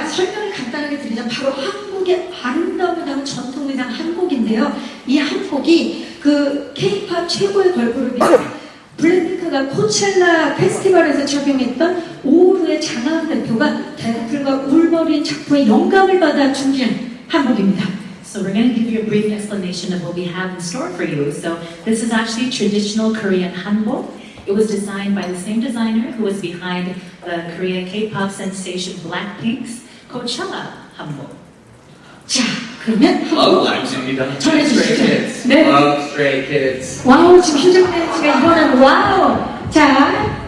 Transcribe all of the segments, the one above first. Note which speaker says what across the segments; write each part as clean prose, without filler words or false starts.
Speaker 1: 설명을 간단하게 드리자면 바로 한국의 아름다움을 담은 전통 의상 한복인데요. 이 한복이 그 K-팝 최고의 걸그룹인 블랙핑크가 코첼라 페스티벌에서 적용했던 오우루의 장하은 대표가 데드풀과 울버린 작품의 영감을 받아 준비한 한복입니다.
Speaker 2: So we're going to give you a brief explanation of what we have in store for you. So this is actually traditional Korean hanbok. It was designed by the same designer who was behind the Korean K-pop sensation Blackpink's Coachella hanbok.
Speaker 1: 자, 그러면
Speaker 3: Love
Speaker 1: 한번
Speaker 3: Blackpink.
Speaker 1: 전해주시죠.
Speaker 3: Stray Kids.
Speaker 1: 네.
Speaker 3: Love Stray Kids.
Speaker 1: 와우, 지금 휴잭맨 씨가 일어나는 와우. 자,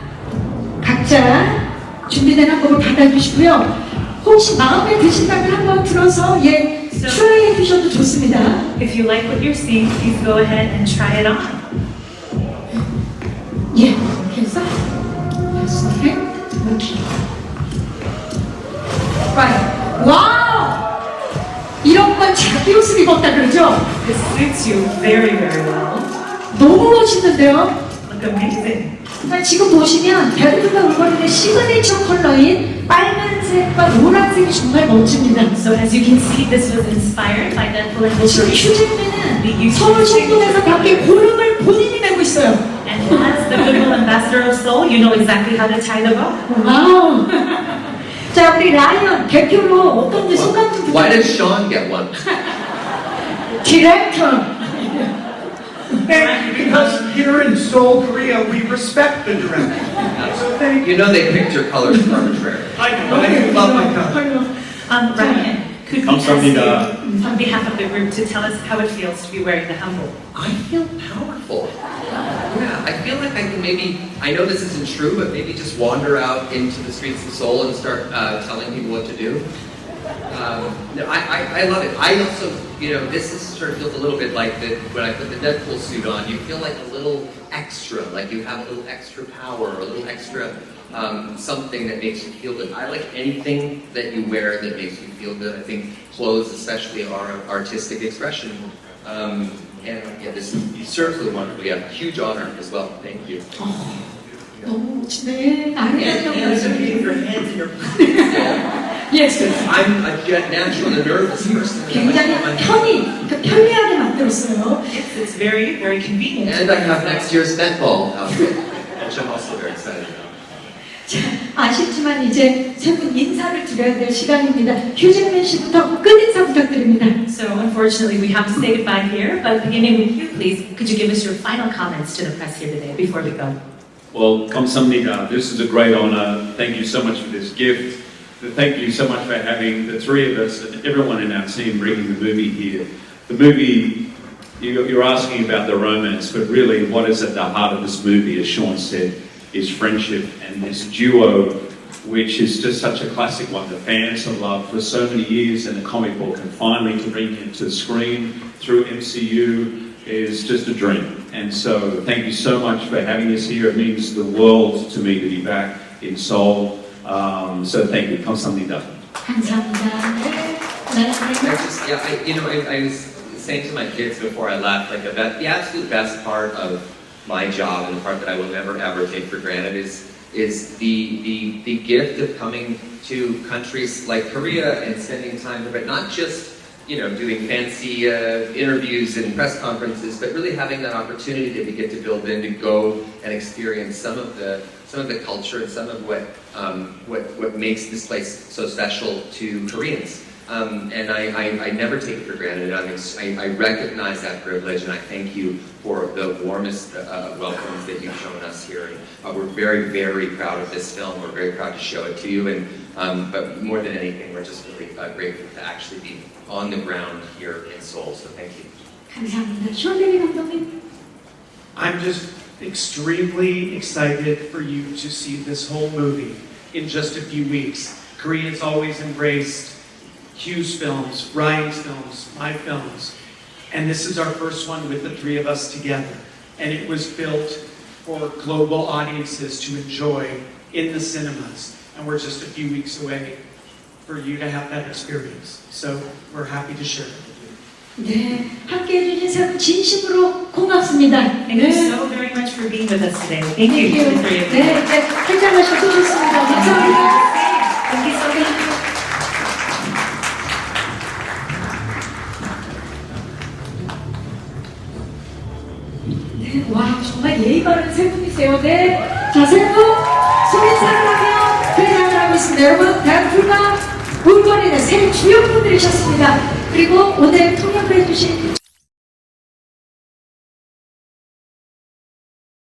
Speaker 1: 각자 준비된 한복을 받아주시고요. 혹시 마음에 드신다면 한번 들어서 트라이 해주셔도 좋습니다.
Speaker 2: If you like what you're seeing, please go ahead and try it on.
Speaker 1: 예, 이렇게 해서 이렇게 와우! 이런 건 자기 옷을 입었다 그러죠?
Speaker 2: This suits you very, very well.
Speaker 1: 너무 멋있는데요?
Speaker 2: Look amazing.
Speaker 1: 지금 보시면 데드풀과 울버린의 시그니처 컬러인 빨간색과 노란색이 정말 멋집니다.
Speaker 2: So as you can see, this was inspired by Deadpool and
Speaker 1: 지금
Speaker 2: Wolverine.
Speaker 1: 휴잭맨은 서울 송도에서 밖에 고름을 본인이 메고 있어요.
Speaker 2: And as the goodwill ambassador of Seoul, you know exactly how to tie the bow.
Speaker 1: 와우. 자, 우리 라이언 대표로 어떤지 소감 좀
Speaker 3: Why does
Speaker 1: 부탁드립니다.
Speaker 3: Sean get one?
Speaker 1: 디렉터.
Speaker 4: Because here in Seoul, Korea, we respect the director. So thank you.
Speaker 3: You know they picked your colors arbitrarily.
Speaker 4: I love my color.
Speaker 2: Ryan, could you ask
Speaker 5: 감사합니다.
Speaker 2: you, on behalf of the group, to tell us how it feels to be wearing the hanbok?
Speaker 3: I feel powerful. Yeah, I feel like I can maybe, I know this isn't true, but maybe just wander out into the streets of Seoul and start telling people what to do. No, I love it. I also, this is sort of feels a little bit like when I put the Deadpool suit on, you feel like a little extra, like you have a little extra power, or a little extra something that makes you feel good. I like anything that you wear that makes you feel good. I think clothes especially are an artistic expression. And yeah, this serves the wonderful. Yeah, huge honor as well. Thank you.
Speaker 1: 너무 멋지네.
Speaker 3: And so your hands in your pockets.
Speaker 1: Yes.
Speaker 3: I'm a naturally nervous person.
Speaker 1: 굉장히 편리하게 만들었어요.
Speaker 2: It's very, very convenient.
Speaker 3: And I have next year's netball outfit, which I'm also very excited about.
Speaker 1: 자, 아쉽지만 이제 세 분 인사를 드려야 될 시간입니다. 휴잭맨 씨부터 끝인사 부탁드립니다.
Speaker 2: So unfortunately, we have to say goodbye here, but beginning with you, please, could you give us your final comments to the press here today before we go?
Speaker 5: Well, 감사합니다. This is a great honor. Thank you so much for this gift. Thank you so much for having the three of us and everyone in our team bringing the movie here. The movie, you're asking about the romance, but really what is at the heart of this movie, as Sean said, is friendship and this duo, which is just such a classic one. The fans have loved for so many years in the comic book, and finally to bring it to the screen through MCU is just a dream. And so thank you so much for having us here. It means the world to me to be back in Seoul. So thank you. 감사합니다.
Speaker 1: 감사합니다. 네.
Speaker 3: I was saying to my kids before I left, like the absolute best part of my job and the part that I will never ever take for granted is the gift of coming to countries like Korea and spending time there, but not just doing fancy interviews and press conferences, but really having that opportunity that we get to build in to go and experience some of the culture and some of what makes this place so special to Koreans. And I never take it for granted. I recognize that privilege, and I thank you for the warmest welcomes that you've shown us here. And we're very, very proud of this film. We're very proud to show it to you. And but more than anything, we're just really grateful to actually be on the ground here in Seoul. So thank you.
Speaker 1: 감사합니다. 쇼데리 감독님.
Speaker 4: I'm just extremely excited for you to see this whole movie in just a few weeks. Koreans always embraced Hugh's films, Ryan's films, my films, and this is our first one with the three of us together. And it was built for global audiences to enjoy in the cinemas. And we're just a few weeks away for you to have that experience. So we're happy to share it with you.
Speaker 1: 네, 함께해 주신 세 분 진심으로 고맙습니다.
Speaker 2: Thank you so very much for being with us today. Thank you to the three of you.
Speaker 1: 네, 한잔 마시고 또 좋습니다. 감사합니다.
Speaker 2: Thank you so much.
Speaker 1: 네, 와, 정말 예의 바른 세 분이세요. 네. 자, 세 분, 소인사를 하며 회장을 하고 있습니다. 여러분, 대한불가 물건에는 세 주역분들이셨습니다. 그리고 오늘 통역을 해주신